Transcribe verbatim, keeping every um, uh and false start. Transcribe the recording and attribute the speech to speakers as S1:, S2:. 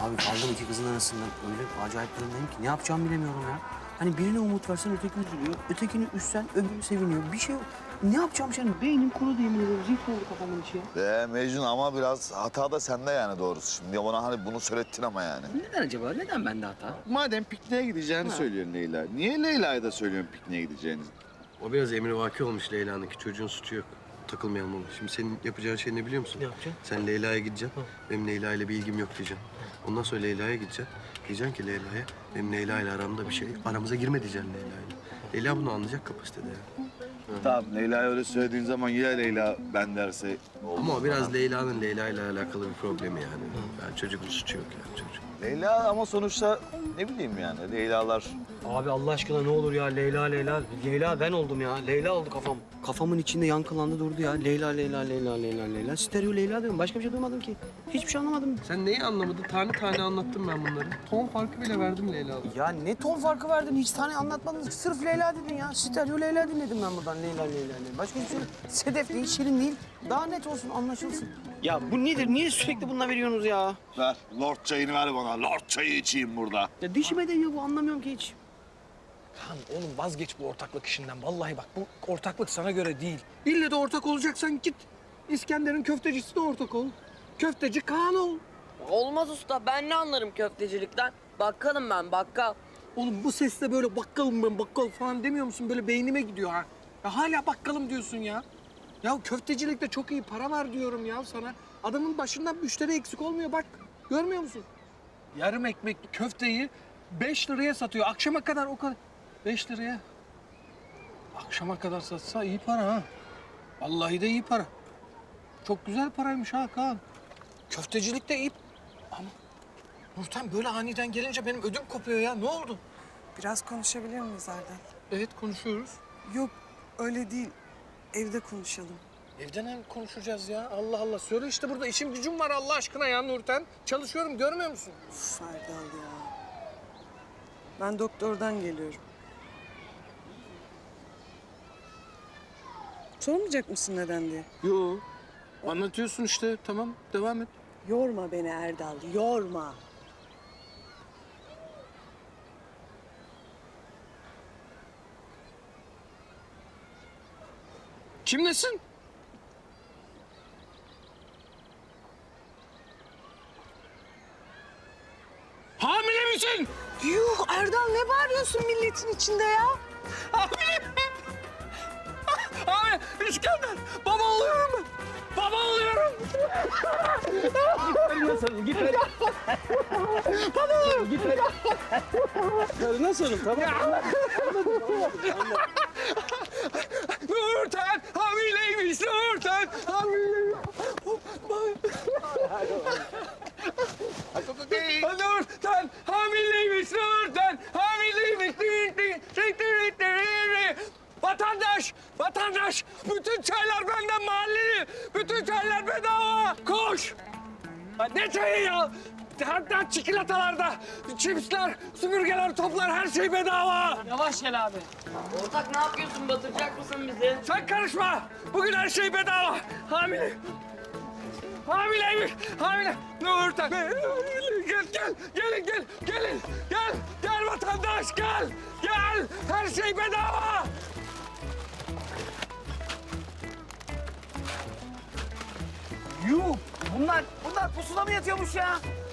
S1: Abi kaldım iki kızın arasından. Öyle acayip durumdayım ki ne yapacağımı bilemiyorum ya. Hani birine umut versen öteki üzülüyor. Ötekini üstsen öbürü seviniyor. Bir şey yok. Ne yapacağım şimdi? Beynim kurudu yemin ediyorum. Zift oldu kafamın içi ya.
S2: Be Mecnun ama biraz hata da sende yani doğrusu. Şimdi bana hani bunu söylettin ama yani.
S1: Neden acaba? Neden bende hata?
S3: Madem pikniğe gideceğini söylüyorsun Leyla. Niye Leyla'ya da söylüyorsun pikniğe gideceğini?
S4: O biraz emrivaki olmuş Leyla'nınki. Çocuğun suçu yok. Takılmayalım ona. Şimdi senin yapacağın şey ne biliyor musun?
S1: Ne yapacağım?
S4: Sen Leyla'ya gideceksin. Benim Leyla ile bir ilgim yok diyeceksin. Ondan sonra Leyla'ya gideceksin. Diyeceksin ki Leyla'ya benim Leyla ile aramda bir şey. Aramıza girme diyeceksin Leyla ile. Leyla bunu anlayacak kapasitede ya.
S3: Tamam Leyla'ya öyle söylediğin zaman ya Leyla ben derse olmaz.
S4: Ama o biraz Leyla'nın Leyla ile alakalı bir problemi yani. Yani çocuğun suçu yok yani çocuk.
S3: Leyla ama sonuçta ne bileyim yani Leyla'lar...
S1: Abi Allah aşkına ne olur ya Leyla Leyla. Leyla ben oldum ya. Leyla oldu kafam. Kafamın içinde yankılandı durdu ya. Leyla Leyla Leyla Leyla Leyla. Stereo Leyla diyorum. Başka bir şey duymadım ki. Hiçbir şey anlamadım.
S4: Sen neyi anlamadın? Tane tane anlattım ben bunları. Ton farkı bile verdim Leyla'da.
S1: Ya ne ton farkı verdin? Hiç tane anlatmadın. Sırf Leyla dedin ya. Stereo Leyla dinledim ben buradan. Leyla Leyla Leyla. Başka hiçbir şey yok. Sedef değil, Şirin değil. Daha net olsun, anlaşılsın. Ya bu nedir? Niye sürekli bununla veriyorsunuz ya?
S3: Ver, Lord çayını ver bana. Lord çayı içeyim burada.
S1: Ya dişime değiyor bu. Anlamıyorum ki hiç.
S5: Tamam oğlum vazgeç bu ortaklık işinden. Vallahi bak bu ortaklık sana göre değil. İlle de ortak olacaksan git. İskender'in köftecisi de ortak ol. Köfteci Kaan ol.
S6: Olmaz usta. Ben ne anlarım köftecilikten? Bakkalım ben, bakkal.
S5: Oğlum bu sesle böyle bakkalım ben bakkal falan demiyor musun? Böyle beynime gidiyor ha. Ya hala bakkalım diyorsun ya. Ya köftecilikte çok iyi para var diyorum ya sana. Adamın başından müşteri eksik olmuyor bak. Görmüyor musun? Yarım ekmekli köfteyi beş liraya satıyor. Akşama kadar o kadar. Beş liraya. Akşama kadar satsa iyi para ha. Vallahi de iyi para. Çok güzel paraymış ha Kaan. Köftecilik de iyi. Ama Nurten böyle aniden gelince benim ödüm kopuyor ya. Ne oldu?
S7: Biraz konuşabilir miyiz Erdal?
S5: Evet konuşuyoruz.
S7: Yok öyle değil. Evde konuşalım.
S5: Evden hem konuşacağız ya. Allah Allah. Söyle işte burada işim gücüm var Allah aşkına ya Nurten. Çalışıyorum görmüyor musun?
S7: Uf Erdal ya. Ben doktordan geliyorum. Sormayacak mısın neden diye?
S5: Yo. Anlatıyorsun işte. Tamam devam et.
S7: Yorma beni Erdal, yorma.
S5: Kimlesin? Hamile misin?
S7: Yuh Erdal ne bağırıyorsun milletin içinde ya?
S5: Hamile. Hamile. İskender. Baba oluyorum ben. Baba oluyorum.
S1: Nasılım tamam.
S5: Nurten hamileymiş Nurten hamileymiş. Nurten hamileymiş Nurten hamileymiş. Vatandaş, vatandaş, bütün çaylar benden mahalleli, bütün çaylar bedava. Koş! Ya ne çayı ya? Hatta çikolatalarda, çipsler, süpürgeler, toplar her şey bedava.
S6: Yavaş gel abi. Ortak ne yapıyorsun? Batıracak mısın bizi?
S5: Sen karışma. Bugün her şey bedava. Hamile. Hamileymiş. Hamile. Nurten. Gel, gel, gelin, gel, gelin. Gel, gel vatandaş, gel. Gel, her şey bedava.
S1: Yuh! Bunlar, bunlar pusuda mı yatıyormuş ya?